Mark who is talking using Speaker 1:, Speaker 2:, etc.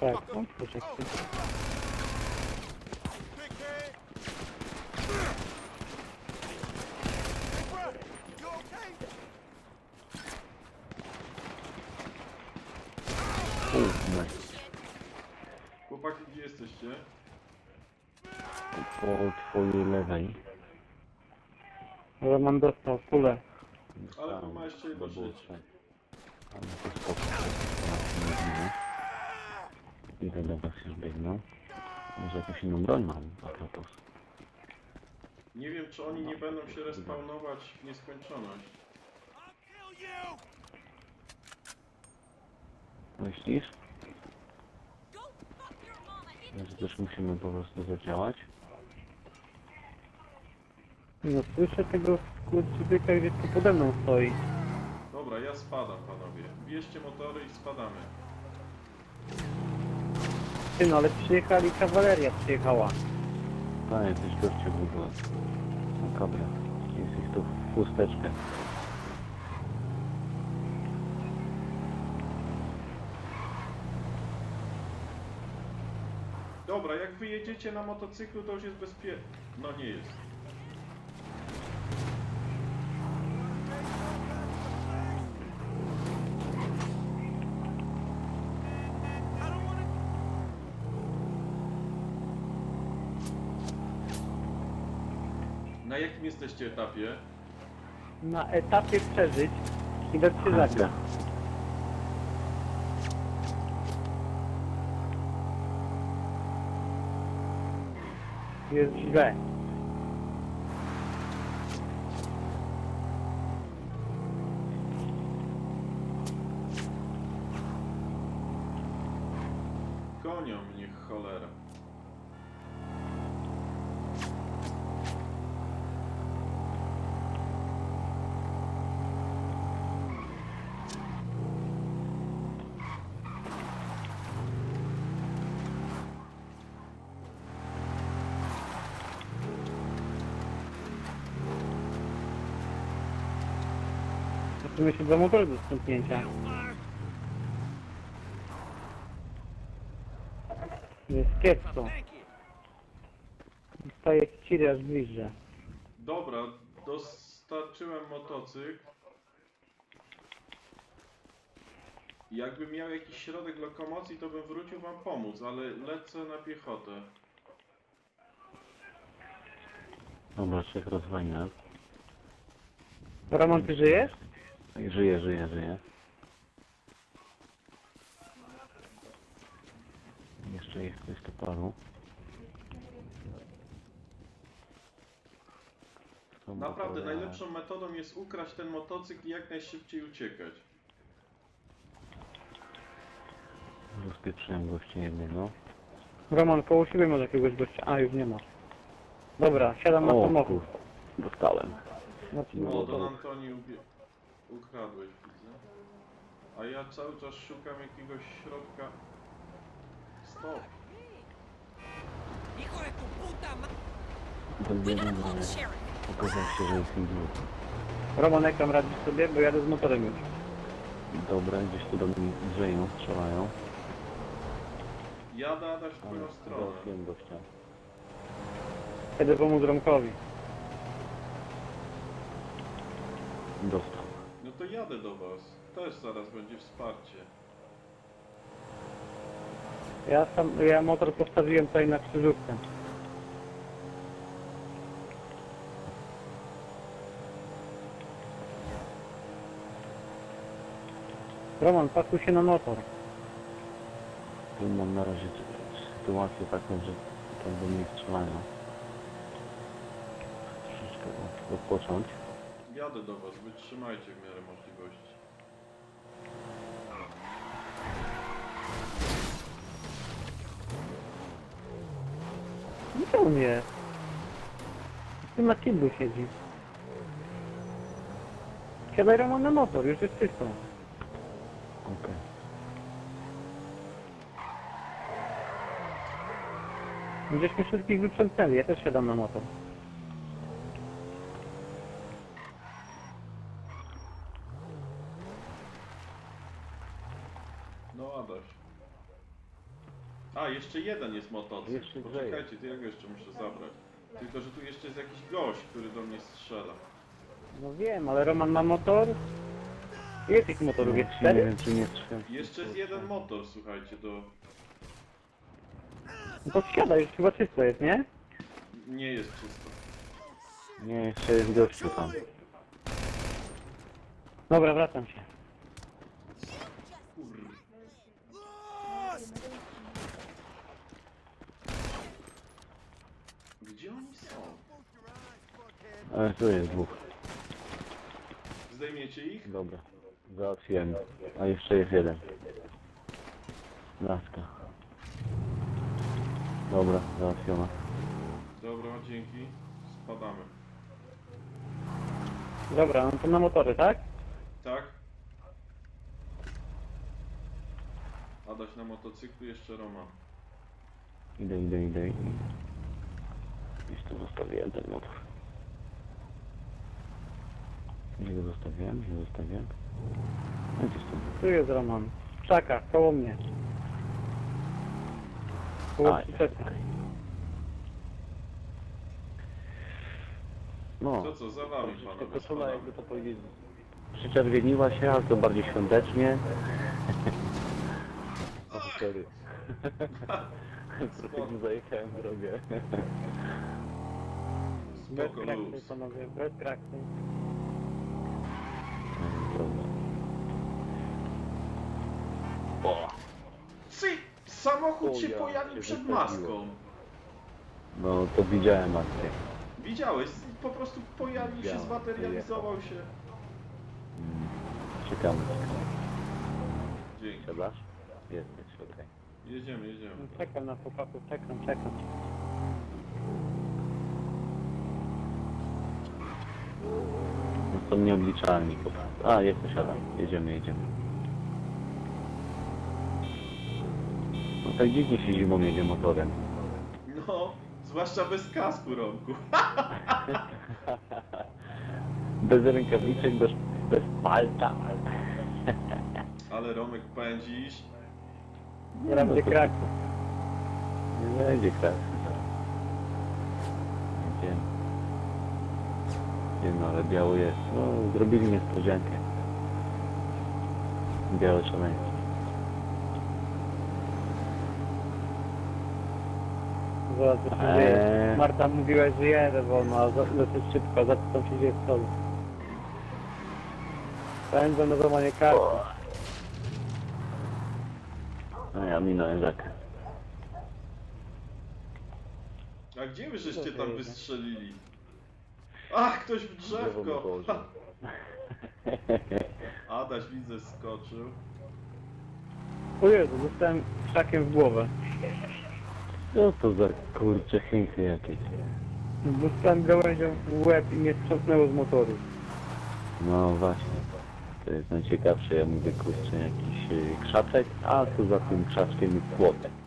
Speaker 1: Tak, no poczekaj.
Speaker 2: Chłopaki, gdzie jesteście?
Speaker 3: Po twojej lewej.
Speaker 1: Roman dostał kulę.
Speaker 2: Ale tu ma jeszcze jedno życie.
Speaker 3: Ale to spoko. Idę do was już biegną. Może jakąś inną broń mam, a propos.
Speaker 2: Nie wiem, czy oni nie będą się respawnować w nieskończoność.
Speaker 3: Myślisz? Że też musimy po prostu zadziałać?
Speaker 1: No słyszę tego skurczybyka gdzieś tu pode mną stoi.
Speaker 2: Dobra, ja spadam, panowie. Bierzcie motory i spadamy.
Speaker 1: Ty no, ale przyjechali, kawaleria przyjechała.
Speaker 3: A, jacyś goście w ogóle. Makabra. Jest ich tu w chusteczkę.
Speaker 2: Dobra, jak wyjedziecie na motocyklu, to już jest bezpiecznie. No nie jest. Na jakim jesteście etapie?
Speaker 1: Na etapie przeżyć i dać się zagrać. Jest źle.
Speaker 2: Gonią mnie, cholera.
Speaker 1: Musimy się dwa motory do stąpnięcia. Jest kiepsko. Staje ciry aż bliżej.
Speaker 2: Dobra, dostarczyłem motocykl. Jakbym miał jakiś środek lokomocji, to bym wrócił wam pomóc, ale lecę na piechotę.
Speaker 3: Dobra, trzech rozwajna.
Speaker 1: Roman, ty żyjesz?
Speaker 3: Żyję. Jeszcze jest coś tu paru.
Speaker 2: Naprawdę najlepszą metodą jest ukraść ten motocykl i jak najszybciej uciekać.
Speaker 3: Rozpieprzyłem gościa jednego.
Speaker 1: Roman, koło siebie może jakiegoś gościa. A, już nie ma. Dobra, siadam na samochód.
Speaker 3: Dostałem.
Speaker 2: No, Don Antoni ukradłeś, widzę. A ja cały czas szukam jakiegoś środka. Stop.
Speaker 3: Ten jeden pokazał się, że jest inny.
Speaker 1: Roman, jak tam radzisz sobie? Bo jadę z motorem już.
Speaker 3: Dobra, gdzieś tu do mnie drzeją, strzelają.
Speaker 2: Jadę Adaś w twoją stronę.
Speaker 3: Załatwiłem gościa.
Speaker 1: Jedę pomóc Romkowi.
Speaker 3: Dostał.
Speaker 2: No to jadę do was. Też zaraz będzie wsparcie.
Speaker 1: Ja motor postawiłem tutaj na krzyżówkę. Roman, pakuj się na motor.
Speaker 3: Tu mam na razie sytuację taką, że tam do mnie strzelają. Troszeczkę odpocząć.
Speaker 2: Jadę do was, wytrzymajcie w miarę możliwości.
Speaker 1: Gdzie on jest? Tu na kiblu siedzi. Siadaj, Roman, na motor, już jest czysto.
Speaker 3: Okej.
Speaker 1: Żeśmy wszystkich wyprzętnęli, ja też siadam na motor.
Speaker 2: No Adaś. A, jeszcze jeden jest motocykl.
Speaker 3: Jeszcze
Speaker 2: Poczekajcie, to ja go jeszcze muszę zabrać. Tylko, że tu jeszcze jest jakiś gość, który do mnie strzela.
Speaker 1: No wiem, ale Roman ma motor? Ile tych motorów jest?
Speaker 3: Nie
Speaker 1: 4?
Speaker 3: wiem, czy nie strzem.
Speaker 2: Jeszcze jest jeden motor, słuchajcie, do...
Speaker 1: No to wsiada, już chyba czysto jest, nie?
Speaker 2: Nie jest czysto.
Speaker 3: Nie, jeszcze jest gościu tam.
Speaker 1: Dobra, wracam się.
Speaker 2: Kurde. Gdzie oni są?
Speaker 3: Ale tu jest dwóch.
Speaker 2: Zdejmiecie ich?
Speaker 3: Dobra, załatwiłem. A jeszcze jest jeden. Laska. Dobra, załatwiona.
Speaker 2: Dobra, dzięki. Spadamy.
Speaker 1: Dobra, no to na motory, tak?
Speaker 2: Tak? Adaś na motocyklu, jeszcze Roman.
Speaker 3: Idę. Gdzieś tu zostawiłem ten motor. Gdzie go zostawiłem? No gdzieś tam.
Speaker 1: Tu jest Roman. W krzakach, koło mnie. Koło
Speaker 3: Aj.
Speaker 1: przyczepy.
Speaker 3: No.
Speaker 2: To co, za wami panowie,
Speaker 3: Koszula,
Speaker 2: spadamy.
Speaker 3: jakby to powiedzieć, przyczerwieniła się, ale to bardziej świątecznie. O, sorry. Trochę zajechałem drogę.
Speaker 1: Bez
Speaker 2: Spoko
Speaker 1: krakty,
Speaker 2: luz.
Speaker 1: panowie, bez krakty.
Speaker 3: Dobra. O!
Speaker 2: Cy! Samochód się
Speaker 3: O ja,
Speaker 2: pojawił
Speaker 3: się
Speaker 2: przed
Speaker 3: wysadziło.
Speaker 2: maską.
Speaker 3: No to widziałem akcję.
Speaker 2: Widziałeś? Po prostu pojawił się,
Speaker 3: Widziałem,
Speaker 2: zmaterializował się.
Speaker 3: Czekamy.
Speaker 2: Dzięki.
Speaker 3: Siadasz? Jest, okej.
Speaker 2: Jedziemy.
Speaker 1: Czekam na chłopaków, czekam.
Speaker 3: No to nieobliczalni po prostu. A, jest, siadam. Jedziemy. No tak dziwnie się zimą jedzie motorem.
Speaker 2: No, zwłaszcza bez kasku, Romku.
Speaker 3: Bez rękawiczek, bez palta.
Speaker 2: Ale Romek pędzisz.
Speaker 1: Teraz będzie krak.
Speaker 3: Nie będzie kras. Nie no, ale biało jest. No, zrobili niespodziankę. Białe szaleństwo.
Speaker 1: Zobacz, co się dzieje. Marta mówiła, że jedę wolno, a dosyć szybko, za co tam się dzieje w stole. Pędzę na złamanie karty.
Speaker 3: No ja minąłem rzekę.
Speaker 2: A gdzie wy żeście
Speaker 1: Dobrze
Speaker 2: tam
Speaker 1: jedzie.
Speaker 2: wystrzelili? Ach, ktoś w
Speaker 3: Drzewo
Speaker 2: drzewko!
Speaker 3: położył.
Speaker 2: Adaś widzę skoczył.
Speaker 1: O Jezu, dostałem krzakiem w głowę.
Speaker 3: Co to za kurcze chińskie jakieś?
Speaker 1: Dostałem gałęzią w łeb i mnie strząsnęło z motoru.
Speaker 3: No właśnie. To jest najciekawsze, ja mówię kurczę jakiś krzaczek, a tu za tym krzaczkiem jest płotek.